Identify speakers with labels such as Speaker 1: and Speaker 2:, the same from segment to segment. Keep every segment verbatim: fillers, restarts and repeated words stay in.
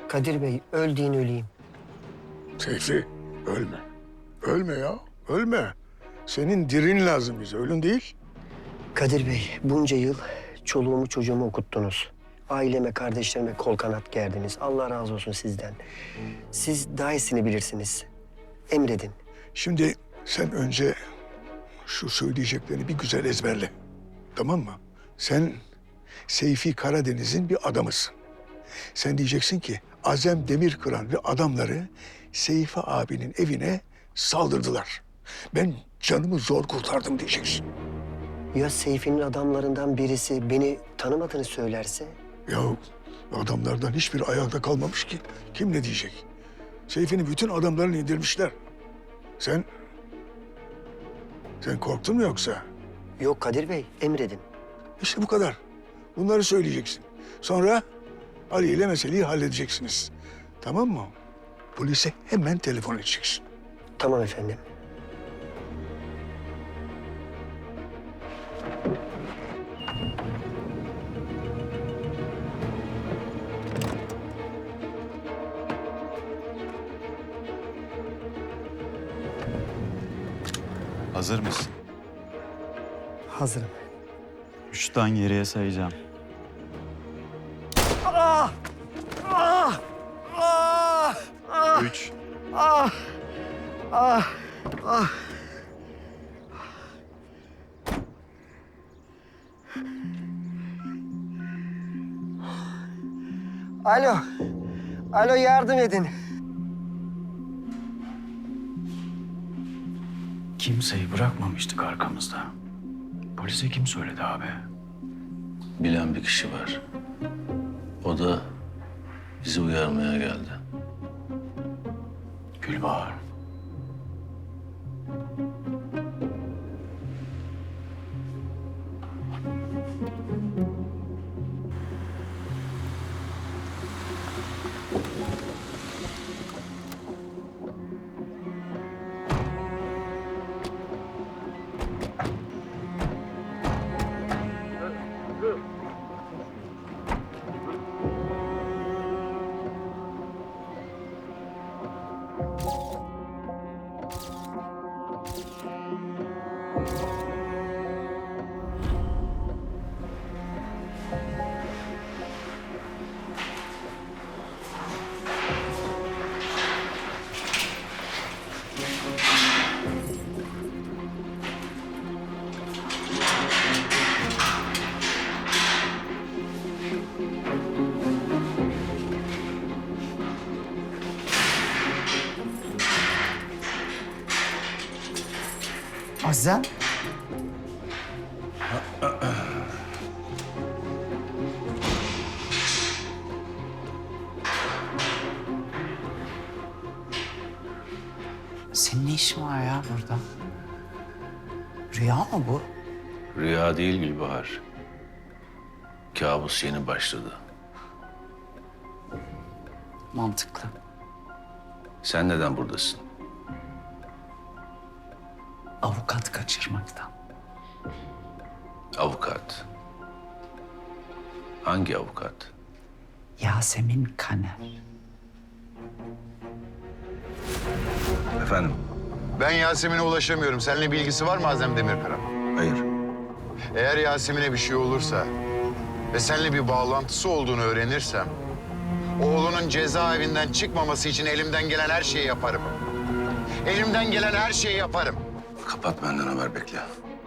Speaker 1: Kadir Bey, öl deyin öleyim.
Speaker 2: Seyfi, ölme. Ölme ya, ölme. Senin dirin lazım bize, ölün değil.
Speaker 1: Kadir Bey, bunca yıl çoluğumu çocuğumu okuttunuz. Aileme, kardeşlerime kol kanat gerdiniz. Allah razı olsun sizden. Siz daha iyisini bilirsiniz. Emredin.
Speaker 2: Şimdi sen önce şu söyleyeceklerini bir güzel ezberle. Tamam mı? Sen Seyfi Karadeniz'in bir adamısın. Sen diyeceksin ki Azem Demirkıran ve adamları Seyfi abinin evine saldırdılar. Ben canımı zor kurtardım diyeceksin.
Speaker 1: Ya Seyfi'nin adamlarından birisi beni tanımadığını söylerse?
Speaker 2: Ya adamlardan hiçbir ayakta kalmamış ki. Kim ne diyecek? Seyfi'nin bütün adamlarını indirmişler. Sen... Sen korktun mu yoksa?
Speaker 1: Yok Kadir Bey, emredin.
Speaker 2: İşte bu kadar. Bunları söyleyeceksin. Sonra Ali ile meseleyi halledeceksiniz. Tamam mı? Polise hemen telefon edeceksin.
Speaker 1: Tamam efendim.
Speaker 3: Hazır mısın?
Speaker 1: Hazırım.
Speaker 3: Üçten geriye sayacağım.
Speaker 1: Ah! Ah! Ah! Ah!
Speaker 3: Üç.
Speaker 1: Ah! Ah! Ah! Alo. Alo, yardım edin.
Speaker 4: Kimseyi bırakmamıştık arkamızda. Polise kim söyledi abi?
Speaker 5: Bilen bir kişi var. O da bizi uyarmaya geldi.
Speaker 4: Gülbahar.
Speaker 1: Azem?
Speaker 4: Senin ne işin var ya burada? Rüya mı bu?
Speaker 5: Rüya değil Gülbahar. Kabus yeni başladı.
Speaker 4: Mantıklı.
Speaker 5: Sen neden buradasın?
Speaker 4: Avukat kaçırmaktan.
Speaker 5: Avukat. Hangi avukat?
Speaker 4: Yasemin Kaner.
Speaker 5: Efendim?
Speaker 6: Ben Yasemin'e ulaşamıyorum. Seninle bir ilgisi var mı Azem Demirkıran?
Speaker 5: Hayır.
Speaker 6: Eğer Yasemin'e bir şey olursa ve seninle bir bağlantısı olduğunu öğrenirsem... ...oğlunun cezaevinden çıkmaması için elimden gelen her şeyi yaparım. Elimden gelen her şeyi yaparım.
Speaker 5: Kapat, benden haber bekle.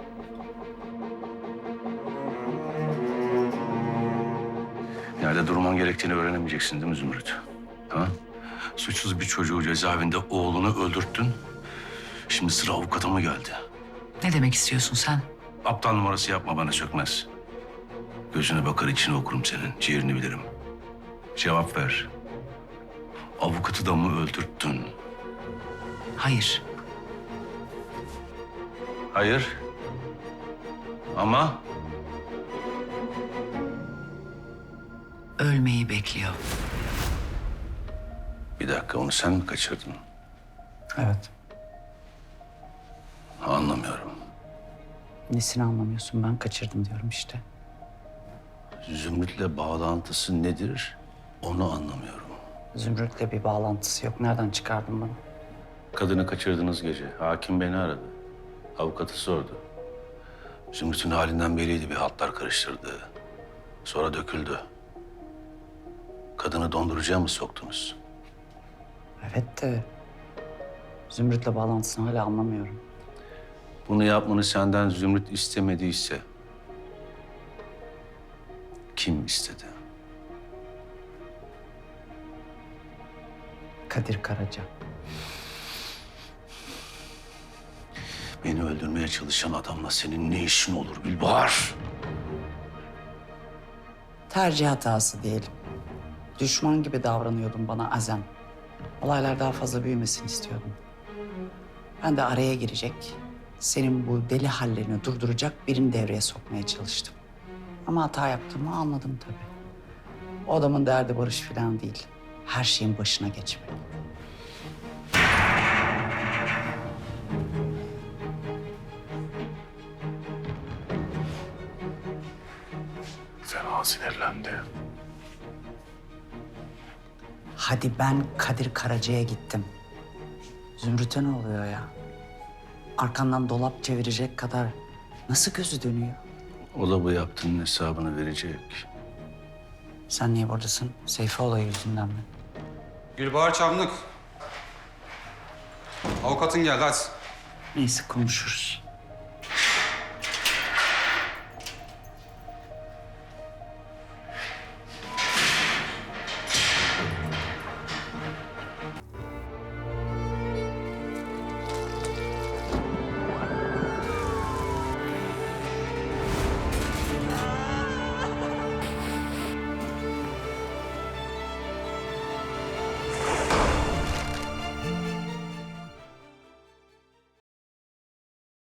Speaker 5: Nerede durman gerektiğini öğrenemeyeceksin değil mi Zümrüt? Ha? Suçsuz bir çocuğu cezaevinde oğlunu öldürttün. Şimdi sıra avukata mı geldi?
Speaker 4: Ne demek istiyorsun sen?
Speaker 5: Aptal numarası yapma bana Sökmez. Gözüne bakar, içini okurum senin. Ciğerini bilirim. Cevap ver. Avukatı da mı öldürttün?
Speaker 4: Hayır.
Speaker 5: Hayır. Ama
Speaker 4: Ölmeyi bekliyor.
Speaker 5: bir dakika, onu sen mi kaçırdın?
Speaker 4: Evet.
Speaker 5: Anlamıyorum.
Speaker 4: Nesini anlamıyorsun? Ben kaçırdım diyorum işte.
Speaker 5: Zümrüt'le bağlantısı nedir? Onu anlamıyorum.
Speaker 7: Zümrüt'le bir bağlantısı yok. Nereden çıkardın bunu?
Speaker 5: Kadını kaçırdığınız gece hakim beni aradı. Avukatı sordu. Zümrüt'ün halinden belliydi, bir hatlar karıştırdı. Sonra döküldü. Kadını dondurucuya mı soktunuz?
Speaker 7: Evet de Zümrüt'le bağlantısını hala anlamıyorum.
Speaker 5: Bunu yapmanı senden Zümrüt istemediyse kim istedi?
Speaker 7: Kadir Karaca.
Speaker 5: Beni öldürmeye çalışan adamla senin ne işin olur Gülbahar?
Speaker 7: Tercih hatası diyelim. Düşman gibi davranıyordun bana Azem. Olaylar daha fazla büyümesin istiyordum. Ben de araya girecek, senin bu deli hallerini durduracak birini devreye sokmaya çalıştım. Ama hata yaptığımı anladım tabii. O adamın derdi barış falan değil. Her şeyin başına geçmek.
Speaker 2: Fena sinirlendi.
Speaker 7: Hadi ben Kadir Karaca'ya gittim. Zümrüt'e ne oluyor ya? Arkandan dolap çevirecek kadar nasıl gözü dönüyor?
Speaker 5: O da bu yaptığının hesabını verecek.
Speaker 7: Sen niye buradasın? Seyfi olayı yüzünden mi?
Speaker 8: Gülbahar Çamlık. Avukatın geldi hadi.
Speaker 7: Neyse konuşuruz.